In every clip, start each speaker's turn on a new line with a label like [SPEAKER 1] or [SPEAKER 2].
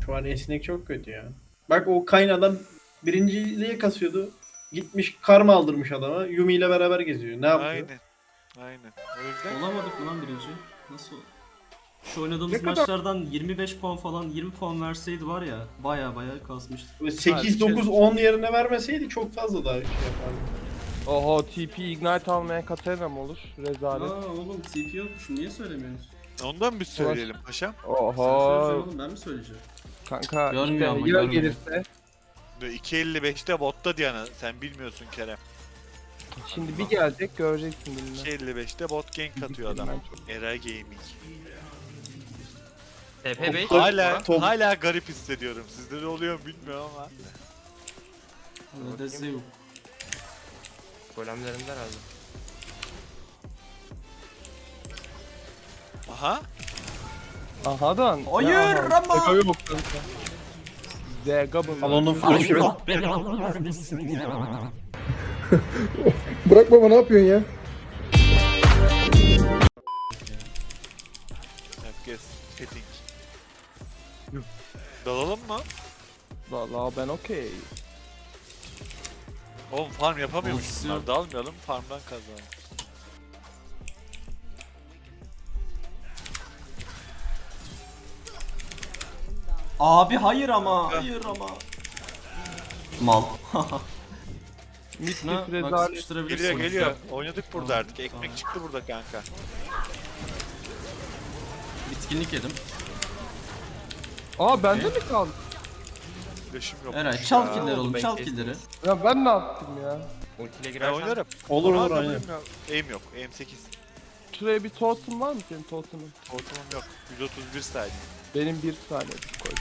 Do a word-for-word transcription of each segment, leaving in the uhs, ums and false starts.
[SPEAKER 1] Şu an esnek çok kötü ya. Bak o Kayn adam birinciliğe kasıyordu. Gitmiş karma aldırmış adama. Yumi ile beraber geziyor. Ne yapıyor?
[SPEAKER 2] Aynen. Aynen. O yüzden
[SPEAKER 3] Olamadık mı lan birinci? Nasıl? Şu oynadığımız
[SPEAKER 4] Ne kadar-
[SPEAKER 3] maçlardan yirmi beş puan falan yirmi puan verseydi var ya baya baya kasmıştık.
[SPEAKER 1] Böyle sekiz dokuz on yerine vermeseydi çok fazla daha şey yapardı.
[SPEAKER 4] Oho T P Ignite almaya Katarina mı olur? Rezalet.
[SPEAKER 3] Aa oğlum T P yokmuş niye söylemiyorsunuz?
[SPEAKER 2] ondan bir söyleyelim paşam.
[SPEAKER 3] Sen söyleyeceksin
[SPEAKER 4] Oho.
[SPEAKER 3] oğlum ben mi söyleyeceğim?
[SPEAKER 4] Kanka
[SPEAKER 3] Görmüyor
[SPEAKER 4] işte
[SPEAKER 3] ama,
[SPEAKER 4] ya
[SPEAKER 3] görmüyor.
[SPEAKER 4] gelirse.
[SPEAKER 2] Ve iki elli beşte botta Diana. Sen bilmiyorsun Kerem.
[SPEAKER 4] Şimdi bir gelecek göreceksin bilmem.
[SPEAKER 2] iki elli beşte bot gank atıyor adam. Era Gaming.
[SPEAKER 5] T P beş.
[SPEAKER 2] Hala
[SPEAKER 1] Top-
[SPEAKER 2] hala garip hissediyorum. Sizde de oluyor mu bilmiyorum ama.
[SPEAKER 3] Öyle de yok.
[SPEAKER 5] Golemlerinde herhalde.
[SPEAKER 2] Aha.
[SPEAKER 4] Aha da.
[SPEAKER 3] Hayır, ama-
[SPEAKER 4] Zega yok kanka. Zega bu.
[SPEAKER 1] Al onun flash'ı.
[SPEAKER 6] Bırak baba ne yapıyorsun ya?
[SPEAKER 2] Herkes setting. Dalalım mı?
[SPEAKER 4] Valla ben okey.
[SPEAKER 2] Oğlum farm yapamıyormuş
[SPEAKER 3] Olsun.
[SPEAKER 2] bunlar. Dalmayalım farmdan kazanalım.
[SPEAKER 3] Abi hayır ama hayır ama. Mal.
[SPEAKER 4] Mistik
[SPEAKER 3] Bak
[SPEAKER 4] rezalet.
[SPEAKER 3] sıkıştırabilirsin.
[SPEAKER 2] Geliyor geliyor. Oynadık burada artık. Ekmek çıktı burada kanka.
[SPEAKER 3] Bitkinlik yedim.
[SPEAKER 4] Aa bende mi kaldı?
[SPEAKER 2] Flash'ım yok.
[SPEAKER 3] Eray çal
[SPEAKER 2] Ya.
[SPEAKER 3] killleri oğlum
[SPEAKER 5] ben
[SPEAKER 3] çal
[SPEAKER 5] kestim.
[SPEAKER 3] killleri.
[SPEAKER 4] Ya ben ne yaptım ya?
[SPEAKER 5] Ultiyle
[SPEAKER 2] Ben
[SPEAKER 5] girersen.
[SPEAKER 2] oynarım.
[SPEAKER 1] Olur olur
[SPEAKER 2] Ama
[SPEAKER 1] aynen.
[SPEAKER 2] bilmiyorum. Aim yok. Aim sekiz.
[SPEAKER 4] Şuraya bir totem var mı senin totemin?
[SPEAKER 2] Ortamım yok. yüz otuz bir saniye.
[SPEAKER 4] Benim bir saniye koy.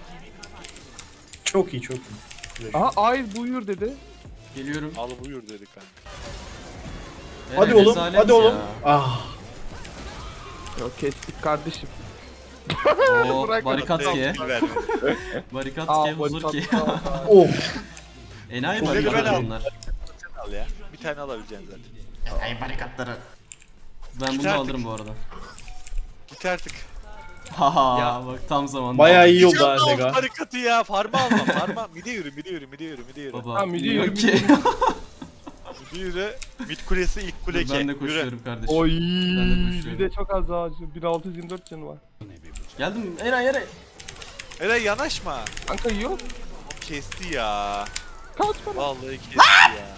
[SPEAKER 1] Çok iyi çok iyi.
[SPEAKER 4] Aha ay buyur dedi.
[SPEAKER 3] Geliyorum.
[SPEAKER 2] Al buyur dedi kanka.
[SPEAKER 1] Hadi
[SPEAKER 3] Eray,
[SPEAKER 1] oğlum
[SPEAKER 3] rezalet
[SPEAKER 1] hadi oğlum.
[SPEAKER 3] ya.
[SPEAKER 1] Ah.
[SPEAKER 4] Yok kestik kardeşim.
[SPEAKER 3] Oo
[SPEAKER 4] Bırak
[SPEAKER 3] barikat
[SPEAKER 2] Tek
[SPEAKER 3] ki.
[SPEAKER 2] kill vermedi.
[SPEAKER 3] Barikat
[SPEAKER 4] Aa
[SPEAKER 3] ki huzur ki.
[SPEAKER 4] barikat.
[SPEAKER 1] Oh.
[SPEAKER 3] Enayi
[SPEAKER 2] Kulleri ben
[SPEAKER 3] barikatlar
[SPEAKER 2] aldım.
[SPEAKER 3] bunlar.
[SPEAKER 2] Sen al ya. Bir tane alabileceksin zaten.
[SPEAKER 3] Enayi barikatları. Ben
[SPEAKER 2] Git
[SPEAKER 3] bunu
[SPEAKER 2] artık.
[SPEAKER 3] alırım bu arada.
[SPEAKER 2] Git artık.
[SPEAKER 3] Haha
[SPEAKER 5] Ya.
[SPEAKER 3] bak tam zamanında.
[SPEAKER 1] Bayağı iyi oldu
[SPEAKER 2] Canlı
[SPEAKER 1] ha
[SPEAKER 2] oldu
[SPEAKER 1] Zega.
[SPEAKER 2] barikatı ya. Farma alma farma. Mide yürü mide yürü mide yürü mide yürü.
[SPEAKER 3] Baba.
[SPEAKER 4] Ha, midi
[SPEAKER 3] yok
[SPEAKER 4] yürü,
[SPEAKER 3] ki.
[SPEAKER 2] Mide yürü. Mid kulesi ilk kule
[SPEAKER 3] Dur, ben de
[SPEAKER 2] yürü.
[SPEAKER 3] koşuyorum kardeşim.
[SPEAKER 4] Oy
[SPEAKER 3] Ben de koşuyorum.
[SPEAKER 4] bir de çok az daha bin altı yüz yirmi dört canı var.
[SPEAKER 3] Geldim Eray Eray.
[SPEAKER 2] Eray yanaşma.
[SPEAKER 4] Kanka yok.
[SPEAKER 2] O kesti ya.
[SPEAKER 4] Kaç para?
[SPEAKER 2] Vallahi kesti ya.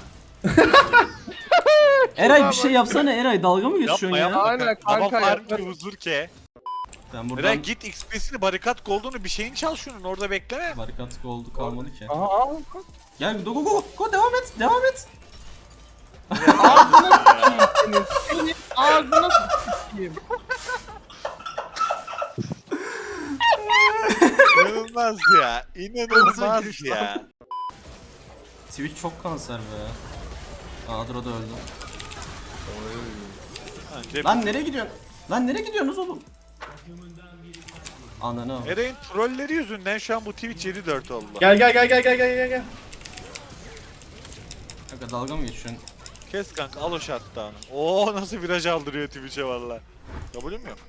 [SPEAKER 3] Eray bir şey yapsana Eray dalga mı geçiyorsun
[SPEAKER 2] Yapma
[SPEAKER 3] ya?
[SPEAKER 2] yapma.
[SPEAKER 4] Aynen
[SPEAKER 2] Ama
[SPEAKER 4] kanka
[SPEAKER 2] farm
[SPEAKER 4] ya.
[SPEAKER 2] ki huzur ke.
[SPEAKER 3] Ben buradan
[SPEAKER 2] Eray git X P'sini barikat gold'unu bir şeyini çal şunun orada bekleme.
[SPEAKER 3] barikat oldu kalmadı ki.
[SPEAKER 4] Aha al kaç.
[SPEAKER 3] Gel go go go go devam et devam et.
[SPEAKER 4] Senin senin ağzına s**eyim.
[SPEAKER 2] İnanılmaz ya. İnanılmaz ya.
[SPEAKER 3] Twitch çok kanser be. Adro da öldü.
[SPEAKER 2] Bence
[SPEAKER 3] Lan nereye gidiyorsun? Lan nereye gidiyorsunuz oğlum? Ananı al.
[SPEAKER 2] Eray'ın trolleri yüzünden şu an bu Twitch yedi dört oldu.
[SPEAKER 1] Gel gel gel gel gel gel gel gel.
[SPEAKER 3] Kanka dalga mı geçiyorsun?
[SPEAKER 2] Kes kanka al o shutdown'ı. Oo nasıl viraj aldırıyor Twitch'e valla. Kabulüm yok.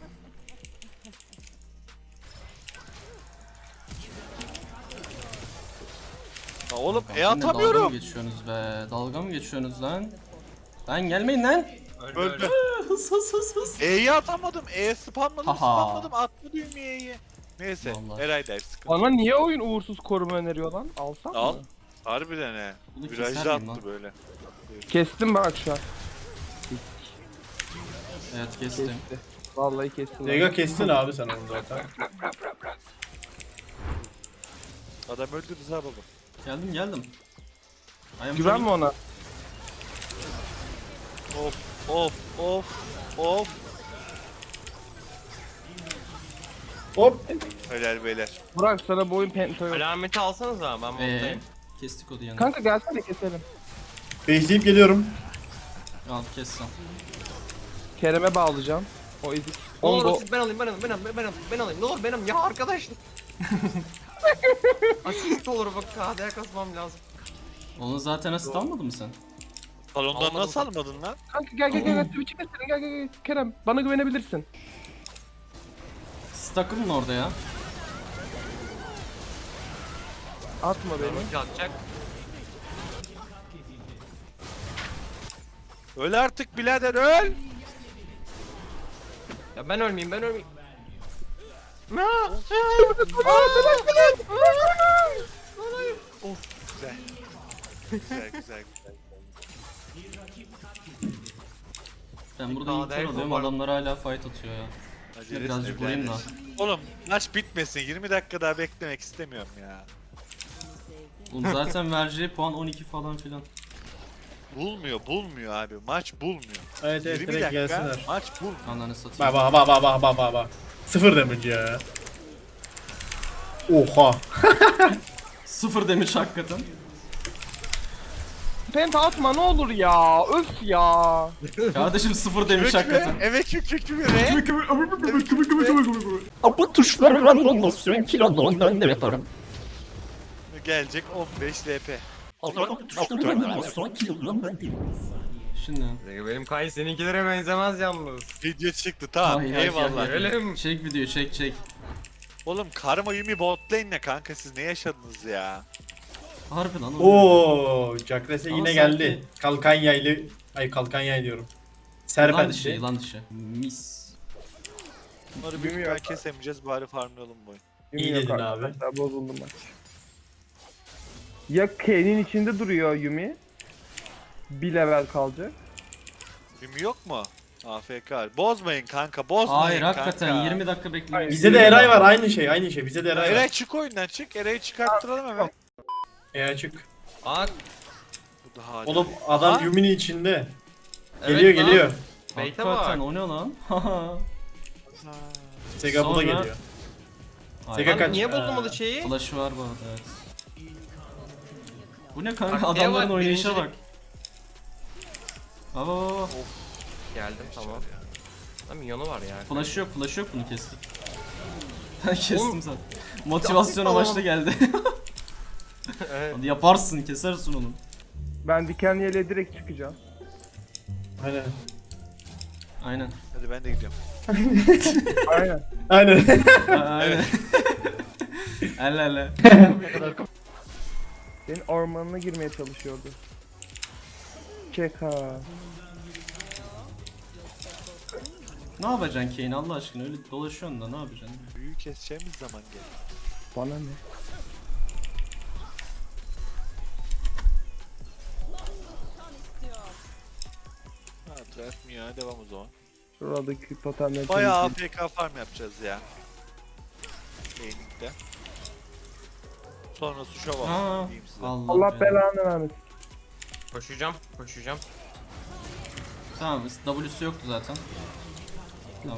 [SPEAKER 2] Ya oğlum e
[SPEAKER 3] Yine dalga mı
[SPEAKER 2] atamıyorum.
[SPEAKER 3] geçiyorsunuz be? Dalga mı geçiyorsunuz lan? Lan gelmeyin lan.
[SPEAKER 2] Öldü.
[SPEAKER 3] Hız hız hız hız.
[SPEAKER 2] E'yi atamadım. E spamladım
[SPEAKER 3] Haha.
[SPEAKER 2] spamladım. Atma düğmeye E'yi. Neyse.
[SPEAKER 3] Vallahi.
[SPEAKER 2] Eray der sıkıntı.
[SPEAKER 4] Bana niye oyun uğursuz koruma öneriyor lan? Alsam
[SPEAKER 2] Al.
[SPEAKER 4] mı?
[SPEAKER 2] Harbiden he.
[SPEAKER 3] Bunu
[SPEAKER 2] Virajda
[SPEAKER 3] keser miyim
[SPEAKER 2] attı
[SPEAKER 3] lan?
[SPEAKER 2] böyle.
[SPEAKER 4] Kestim bak şu an.
[SPEAKER 3] Evet kestim.
[SPEAKER 4] Kesti. Vallahi kestim.
[SPEAKER 1] Zega kestin abi sen onu zaten.
[SPEAKER 2] Adam öldü Rıza baba.
[SPEAKER 3] Geldim geldim. I am
[SPEAKER 4] Güvenme
[SPEAKER 3] coming.
[SPEAKER 4] ona.
[SPEAKER 2] Of of of of.
[SPEAKER 1] Hop.
[SPEAKER 2] Helal beyler.
[SPEAKER 4] Burak sana bu oyun penta yok.
[SPEAKER 5] Alameti alsanız ama ben
[SPEAKER 3] Eee
[SPEAKER 5] moddayım.
[SPEAKER 3] kestik o diyanı.
[SPEAKER 4] Kanka gelsene keselim.
[SPEAKER 1] Bekleyip geliyorum.
[SPEAKER 3] Al kes sen.
[SPEAKER 4] Kerem'e bağlayacağım. O ezik.
[SPEAKER 5] Ne
[SPEAKER 4] Onu
[SPEAKER 5] olur
[SPEAKER 4] da-
[SPEAKER 5] siz ben alayım ben alayım ben alayım ben alayım ben alayım ne olur ben alayım ya arkadaşlar. Asist olur bak K D'ye kasmam lazım.
[SPEAKER 3] Onu zaten asist almadın mı sen?
[SPEAKER 2] Salondan
[SPEAKER 5] Almadım.
[SPEAKER 2] nasıl almadın lan?
[SPEAKER 4] Kanka gel gel gel gel Twitch'e keselim gel gel gel. Kerem bana güvenebilirsin.
[SPEAKER 3] Siz takılın orada ya.
[SPEAKER 4] Atma beni.
[SPEAKER 5] Ulti atacak.
[SPEAKER 2] Öl artık birader öl.
[SPEAKER 5] Ya ben ölmeyeyim ben ölmeyeyim.
[SPEAKER 2] Güzel. Güzel güzel güzel.
[SPEAKER 3] Ben burada
[SPEAKER 5] Aa,
[SPEAKER 3] intro
[SPEAKER 5] Derek
[SPEAKER 3] alıyorum,
[SPEAKER 5] var.
[SPEAKER 3] adamlar hala fight atıyor ya.
[SPEAKER 2] Acele
[SPEAKER 3] birazcık
[SPEAKER 2] etme
[SPEAKER 3] vurayım
[SPEAKER 2] birader.
[SPEAKER 3] da.
[SPEAKER 2] Oğlum maç bitmesin. yirmi dakika daha beklemek istemiyorum ya.
[SPEAKER 3] Oğlum zaten vereceği puan on iki falan filan.
[SPEAKER 2] Bulmuyor, bulmuyor abi. Maç bulmuyor.
[SPEAKER 1] Evet evet
[SPEAKER 2] yirmi
[SPEAKER 1] direkt
[SPEAKER 2] dakika
[SPEAKER 1] gelsinler.
[SPEAKER 2] maç bulmuyor.
[SPEAKER 3] Ananı satayım.
[SPEAKER 1] Bak bak bak bak bak bak bak bak. Sıfır damage ya. Oha.
[SPEAKER 3] Sıfır demiş hakikaten.
[SPEAKER 4] Penta atma ne olur ya. Öf ya.
[SPEAKER 3] Kardeşim sıfır demiş hakikaten.
[SPEAKER 2] Evet kük kük kük be.
[SPEAKER 6] Bu tuşlarla olmasın kilondan ne yaparım?
[SPEAKER 2] Gelecek on beş L P.
[SPEAKER 6] Bu tuşlarla olmasın kilondan
[SPEAKER 3] Şimdi.
[SPEAKER 5] Benim Kayn seninkilere benzemez yalnız.
[SPEAKER 2] Video çıktı tamam
[SPEAKER 3] Hayır, hayır,
[SPEAKER 2] eyvallah.
[SPEAKER 3] hayır.
[SPEAKER 5] Öyle mi?
[SPEAKER 3] Çek video, çek çek.
[SPEAKER 2] Oğlum Karma Yumi bot lane ne kanka siz ne yaşadınız ya?
[SPEAKER 3] Harbi lan.
[SPEAKER 1] Oo, Jackrese
[SPEAKER 3] Ama
[SPEAKER 1] yine
[SPEAKER 3] sanki-
[SPEAKER 1] geldi. Kalkan yaylı. Ay kalkan yay diyorum.
[SPEAKER 3] Yılan dışı,
[SPEAKER 1] Serpent.
[SPEAKER 3] yılan dışı. Mis.
[SPEAKER 2] Bunları büyük ihtimal kesemeyeceğiz bari farmlayalım bu oyun.
[SPEAKER 1] İyi
[SPEAKER 4] Yumi yok
[SPEAKER 1] dedin abi.
[SPEAKER 4] arkadaşlar, bozuldu maç. Ya Kane'in içinde duruyor Yumi. Bir level kalacak.
[SPEAKER 2] Yumi yok mu? A F K. Bozmayın kanka bozmayın
[SPEAKER 3] Hayır
[SPEAKER 2] kanka.
[SPEAKER 3] hakikaten yirmi dakika beklemeyi.
[SPEAKER 1] Bizde de Eray var aynı şey aynı şey. Bizde de Eray
[SPEAKER 2] Eray
[SPEAKER 1] var.
[SPEAKER 2] çık oyundan çık. Eray'ı çıkarttıralım hemen.
[SPEAKER 1] E açık.
[SPEAKER 5] Aa,
[SPEAKER 2] Bu daha
[SPEAKER 1] Oğlum adam
[SPEAKER 2] Aha.
[SPEAKER 1] Yumi'nin içinde.
[SPEAKER 5] evet
[SPEAKER 1] Geliyor
[SPEAKER 5] lan.
[SPEAKER 1] geliyor.
[SPEAKER 5] Beyte
[SPEAKER 3] Hakikaten
[SPEAKER 5] bak.
[SPEAKER 3] o ne lan?
[SPEAKER 1] Sega bu da
[SPEAKER 3] Sonra-
[SPEAKER 1] geliyor.
[SPEAKER 3] Ay,
[SPEAKER 1] Sega
[SPEAKER 5] Lan
[SPEAKER 1] kaç?
[SPEAKER 5] niye
[SPEAKER 1] Ee,
[SPEAKER 5] bozulmadı şeyi?
[SPEAKER 3] Flash'ı var bu arada, evet. Bu ne kanka,
[SPEAKER 5] Taktiğe
[SPEAKER 3] adamların
[SPEAKER 5] bak,
[SPEAKER 3] oynayışa
[SPEAKER 5] birincilik.
[SPEAKER 3] bak. Baba baba.
[SPEAKER 5] Geldim tamam. Lan minyonu var ya.
[SPEAKER 3] Flash yok, flash yok, bunu kestik. Ben kestim
[SPEAKER 5] Oğlum-
[SPEAKER 3] zaten. Motivasyon
[SPEAKER 5] Ya,
[SPEAKER 3] amaçlı geldi.
[SPEAKER 5] Evet.
[SPEAKER 3] Hadi yaparsın, kesersin onu.
[SPEAKER 4] Ben dikenli yeleğe direkt çıkacağım.
[SPEAKER 1] Aynen.
[SPEAKER 3] Aynen.
[SPEAKER 2] Hadi ben de gidiyorum.
[SPEAKER 4] Aynen.
[SPEAKER 1] Aynen.
[SPEAKER 3] A- Aynen. Elle elle.
[SPEAKER 4] Senin ormanına girmeye çalışıyordu. Çek ha.
[SPEAKER 3] Ne yapacaksın Kane Allah aşkına, öyle dolaşıyorsun da ne yapacaksın?
[SPEAKER 2] Büyü keseceğimiz zaman gel.
[SPEAKER 4] Bana ne?
[SPEAKER 2] Ha bırakmıyor ya devam o zaman.
[SPEAKER 4] Şuradaki totemleri
[SPEAKER 2] Bayağı A
[SPEAKER 4] temizleyeyim.
[SPEAKER 2] F K farm yapacağız ya. Lane'likte. Sonra su şova
[SPEAKER 3] Aa,
[SPEAKER 2] diyeyim size.
[SPEAKER 3] Allah,
[SPEAKER 4] Allah
[SPEAKER 3] belanı.
[SPEAKER 4] belanı vermesin.
[SPEAKER 5] Koşacağım, koşacağım.
[SPEAKER 3] Tamam, W'su yoktu zaten. Tamam.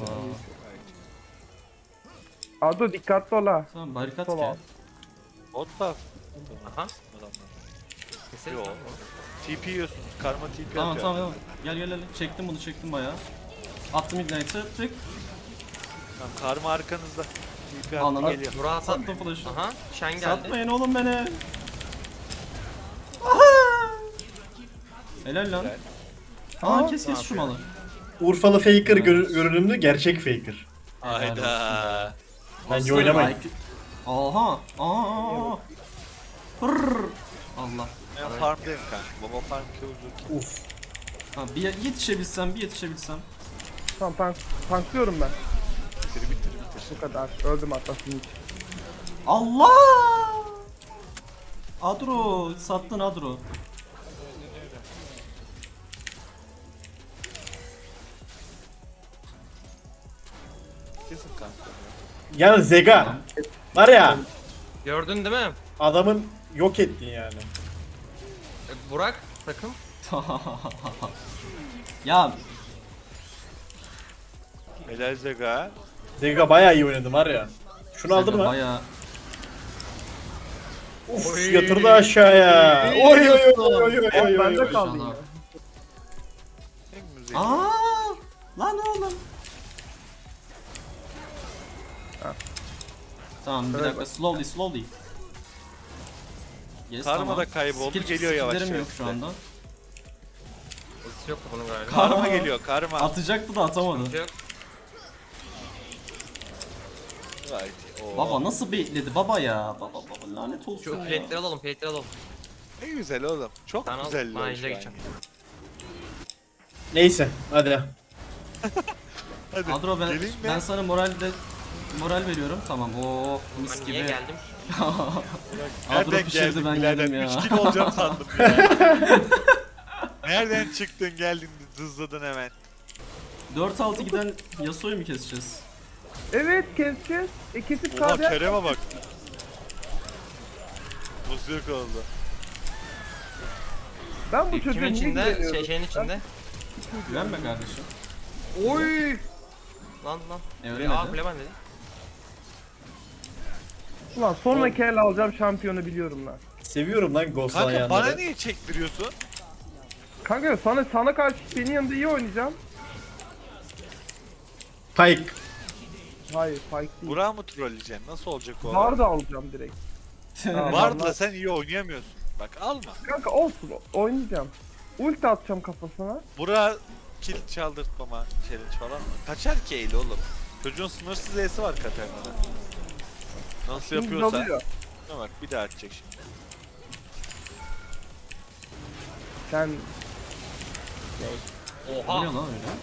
[SPEAKER 4] Ado dikkatli ol ha.
[SPEAKER 3] Tamam, barikat
[SPEAKER 4] Sola
[SPEAKER 3] ya.
[SPEAKER 4] al.
[SPEAKER 2] Bot buff.
[SPEAKER 5] Aha.
[SPEAKER 2] Adamlar.
[SPEAKER 5] Keselim.
[SPEAKER 2] Yo. T P yiyorsunuz. Karma T P
[SPEAKER 3] Tamam
[SPEAKER 2] atıyor.
[SPEAKER 3] tamam tamam. Gel gel gel. Çektim bunu, çektim bayağı. Attım ignite'ı, tık.
[SPEAKER 2] Tamam, karma arkanızda. T P
[SPEAKER 3] Anladım.
[SPEAKER 2] attı geliyor.
[SPEAKER 5] Burak'a sat.
[SPEAKER 3] Sattım flash'ı.
[SPEAKER 5] Aha, Shen geldi.
[SPEAKER 3] Satmayın oğlum beni. Helal lan.
[SPEAKER 2] Güzel.
[SPEAKER 3] Aa, kes kes
[SPEAKER 5] Ne
[SPEAKER 3] şu malı.
[SPEAKER 1] Urfalı faker gör- görünümlü gerçek faker.
[SPEAKER 2] Hayda.
[SPEAKER 1] Bence
[SPEAKER 3] Aslanım,
[SPEAKER 1] oynamayın.
[SPEAKER 3] I Q Aha. Aa. Hırr. Allah.
[SPEAKER 2] Ben farmdayım kanka. Baba farm kill'dur.
[SPEAKER 1] Uf.
[SPEAKER 3] Ha, bir yetişebilsem, bir yetişebilsem.
[SPEAKER 4] Tamam tank, tanklıyorum ben.
[SPEAKER 2] Bitir bitir bitir.
[SPEAKER 4] Bu kadar. Öldüm hatta senin için.
[SPEAKER 3] Allah! Adro, sattın Adro.
[SPEAKER 2] Kesin kanka.
[SPEAKER 1] Yani Zega. Var ya
[SPEAKER 5] Gördün değil mi?
[SPEAKER 1] adamın yok ettin yani.
[SPEAKER 5] E, Burak takım.
[SPEAKER 3] Ya
[SPEAKER 2] Helal Zega.
[SPEAKER 1] Zega bayağı iyi oynadı var ya. Şunu aldın mı?
[SPEAKER 3] bayağı
[SPEAKER 1] Uf
[SPEAKER 5] Oy.
[SPEAKER 1] yatırdı aşağıya. Oy oy oy oy oy oy oy.
[SPEAKER 4] Bende
[SPEAKER 1] oy.
[SPEAKER 4] kaldı
[SPEAKER 3] inşallah.
[SPEAKER 4] yine.
[SPEAKER 2] En müzik.
[SPEAKER 3] Aa! Lan oğlum. Tamam bir
[SPEAKER 4] Şöyle
[SPEAKER 3] dakika, slowly slowly. Yes,
[SPEAKER 2] Karma
[SPEAKER 3] tamam.
[SPEAKER 2] da kayboldu,
[SPEAKER 3] Skill-
[SPEAKER 2] geliyor yavaş
[SPEAKER 3] skill'lerim
[SPEAKER 2] yavaş
[SPEAKER 3] yok şu
[SPEAKER 2] size.
[SPEAKER 3] anda.
[SPEAKER 5] Ultisi yoktu bunun galiba.
[SPEAKER 2] Karma
[SPEAKER 3] Aa.
[SPEAKER 2] geliyor karma.
[SPEAKER 3] Atacaktı da atamadı.
[SPEAKER 5] Ultisi yok.
[SPEAKER 2] Gayet iyi. Oo.
[SPEAKER 3] Baba nasıl bekledi baba ya? Baba baba lanet olsun
[SPEAKER 5] Şu
[SPEAKER 3] ya.
[SPEAKER 5] plate'leri alalım, plate'leri alalım.
[SPEAKER 2] Ne güzel oğlum. Çok
[SPEAKER 5] Ben al,
[SPEAKER 2] güzel.
[SPEAKER 5] ben
[SPEAKER 2] lan
[SPEAKER 5] ejderha
[SPEAKER 2] şu an.
[SPEAKER 5] geçeceğim.
[SPEAKER 1] Neyse hadi.
[SPEAKER 2] Hadi
[SPEAKER 3] Adro ben,
[SPEAKER 2] geleyim mi?
[SPEAKER 3] ben sana moralde moral veriyorum. Tamam. Oo mis
[SPEAKER 5] Ben
[SPEAKER 3] gibi.
[SPEAKER 5] niye geldim?
[SPEAKER 3] Adro
[SPEAKER 2] Nereden
[SPEAKER 3] pişirdi
[SPEAKER 2] geldin
[SPEAKER 3] ben
[SPEAKER 2] birader?
[SPEAKER 3] yedim ya.
[SPEAKER 2] üç kilo olacağım sandım ya. Nereden çıktın geldin hızladın hemen.
[SPEAKER 3] dört altı giden Yasuo'yu mu keseceğiz?
[SPEAKER 4] Evet keseceğiz. E kesip
[SPEAKER 2] Oha
[SPEAKER 4] kalacak.
[SPEAKER 2] Kerem'e bak. Nasıl yok oldu?
[SPEAKER 4] Ben bu çocuğa
[SPEAKER 5] Kimin
[SPEAKER 4] niye
[SPEAKER 5] içinde?
[SPEAKER 4] güveniyorum?
[SPEAKER 5] Şey, şeyin içinde.
[SPEAKER 3] Güvenme kardeşim.
[SPEAKER 4] Oy!
[SPEAKER 5] Lan lan.
[SPEAKER 3] E
[SPEAKER 5] Aa
[SPEAKER 3] öyle dedi.
[SPEAKER 5] Kuleman dedi.
[SPEAKER 4] Ulan sonraki el alacağım şampiyonu biliyorum lan.
[SPEAKER 1] Seviyorum lan Ghost
[SPEAKER 2] Kanka
[SPEAKER 1] yanları.
[SPEAKER 2] bana niye çektiriyorsun?
[SPEAKER 4] Kanka sana sana karşı senin yanında iyi oynayacağım.
[SPEAKER 1] Pike.
[SPEAKER 4] Hayır Pike değil.
[SPEAKER 2] Burak'ı mı trolleyeceksin? Nasıl olacak o?
[SPEAKER 4] Var da alacağım direkt. Ha,
[SPEAKER 2] Var da
[SPEAKER 4] var.
[SPEAKER 2] sen iyi oynayamıyorsun. Bak alma.
[SPEAKER 4] Kanka olsun oynayacağım. Ulti atacağım kafasına.
[SPEAKER 2] Burak'a kill çaldırtmama challenge falan mı? Kaçar ki eğli oğlum. Çocuğun sınırsız E'si var Katarina'da. Nasıl
[SPEAKER 4] Şimdi
[SPEAKER 2] yapıyorsa.
[SPEAKER 4] dalıyor.
[SPEAKER 2] Şuna bak bir daha atacak şimdi.
[SPEAKER 4] Sen
[SPEAKER 3] Ne
[SPEAKER 5] Oha.
[SPEAKER 3] lan öyle?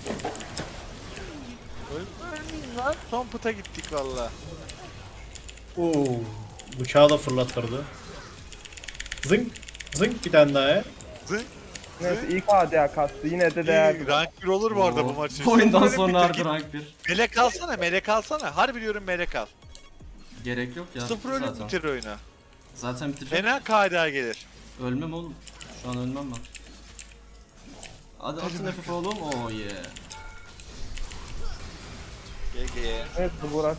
[SPEAKER 2] Ölmeyin lan. Son puta gittik valla.
[SPEAKER 1] Oo. Bıçağı da fırlattırdı. Zınk. Zınk bir tane daha ya.
[SPEAKER 2] Zın.
[SPEAKER 4] neyse ilk A D A kastı yine de değerli.
[SPEAKER 2] İyi, rank bir olur bu arada bu maç için.
[SPEAKER 3] Bu oyundan
[SPEAKER 2] Böyle
[SPEAKER 3] sonra
[SPEAKER 2] bitir
[SPEAKER 3] harbi
[SPEAKER 2] git.
[SPEAKER 3] rank bir.
[SPEAKER 2] Melek alsana, melek alsana. Harbi diyorum melek al.
[SPEAKER 3] Gerek yok ya.
[SPEAKER 2] Sıfır ölüm
[SPEAKER 3] zaten.
[SPEAKER 2] bitir oyunu.
[SPEAKER 3] Zaten bitirecek.
[SPEAKER 2] Fena K D A gelir.
[SPEAKER 3] Ölmem oğlum. Şu an ölmem ben. Hadi atın F F oğlum. Oh yeah.
[SPEAKER 2] G G.
[SPEAKER 4] Evet bu Burak.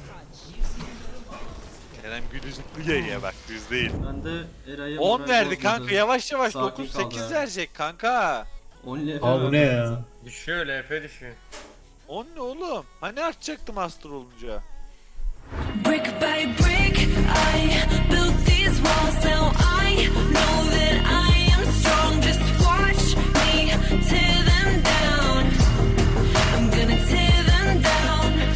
[SPEAKER 2] Kerem Gülüzlü G'ye bak düz değil.
[SPEAKER 3] Ben de Eray'a
[SPEAKER 2] on
[SPEAKER 3] moral
[SPEAKER 2] verdi
[SPEAKER 3] bozmadı.
[SPEAKER 2] kanka yavaş yavaş
[SPEAKER 3] Sakin
[SPEAKER 2] dokuz
[SPEAKER 3] kal
[SPEAKER 2] sekiz
[SPEAKER 3] be.
[SPEAKER 2] verecek kanka.
[SPEAKER 3] on L F
[SPEAKER 1] Aa bu ne ya?
[SPEAKER 5] Düşüyor, L P düşüyor.
[SPEAKER 2] on ne oğlum? Hani artacaktı master olunca?
[SPEAKER 7] Brick by